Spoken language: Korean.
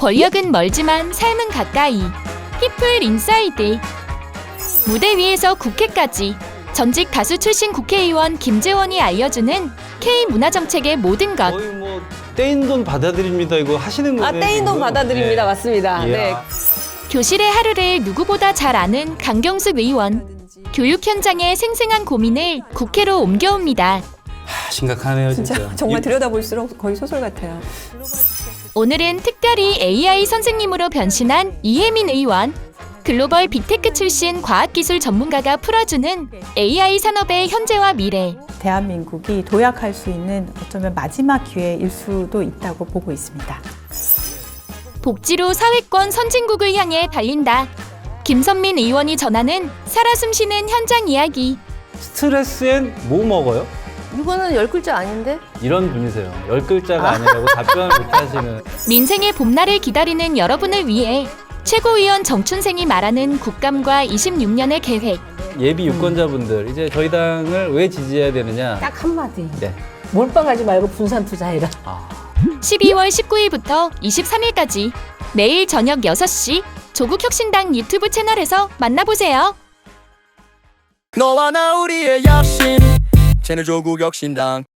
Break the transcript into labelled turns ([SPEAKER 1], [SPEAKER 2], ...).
[SPEAKER 1] 권력은 멀지만 삶은 가까이. 피플 인사이드. 무대 위에서 국회까지. 전직 가수 출신 국회의원 김재원이 알려주는 K 문화정책의 모든 것.
[SPEAKER 2] 거의 뭐 떼인 돈 받아들입니다. 이거 하시는 거예요?
[SPEAKER 3] 떼인 돈 받아드립니다.
[SPEAKER 2] 네.
[SPEAKER 3] 맞습니다.
[SPEAKER 2] 이야.
[SPEAKER 3] 네.
[SPEAKER 1] 교실의 하루를 누구보다 잘 아는 강경숙 의원. 교육 현장의 생생한 고민을 국회로 옮겨옵니다.
[SPEAKER 2] 심각하네요, 진짜.
[SPEAKER 3] 정말 들여다볼수록 거의 소설 같아요.
[SPEAKER 1] 오늘은 특별히 AI 선생님으로 변신한 이혜민 의원. 글로벌 빅테크 출신 과학기술 전문가가 풀어주는 AI 산업의 현재와 미래.
[SPEAKER 4] 대한민국이 도약할 수 있는 어쩌면 마지막 기회일 수도 있다고 보고 있습니다.
[SPEAKER 1] 복지로 사회권 선진국을 향해 달린다. 김선민 의원이 전하는 살아 숨쉬는 현장 이야기.
[SPEAKER 2] 스트레스엔 뭐 먹어요?
[SPEAKER 3] 이거는 10글자 아닌데?
[SPEAKER 2] 이런 분이세요. 10글자가 아니라고 답변을 못 하시는.
[SPEAKER 1] 민생의 봄날을 기다리는 여러분을 위해 최고위원 정춘생이 말하는 국감과 26년의 계획.
[SPEAKER 2] 예비 유권자분들, 이제 저희 당을 왜 지지해야 되느냐.
[SPEAKER 5] 딱 한마디.
[SPEAKER 2] 네.
[SPEAKER 5] 몰빵하지 말고 분산 투자해라.
[SPEAKER 1] 12월 19일부터 23일까지 매일 저녁 6시 조국혁신당 유튜브 채널에서 만나보세요.
[SPEAKER 6] 너와 나 우리의 약신 쟤네 조국혁신당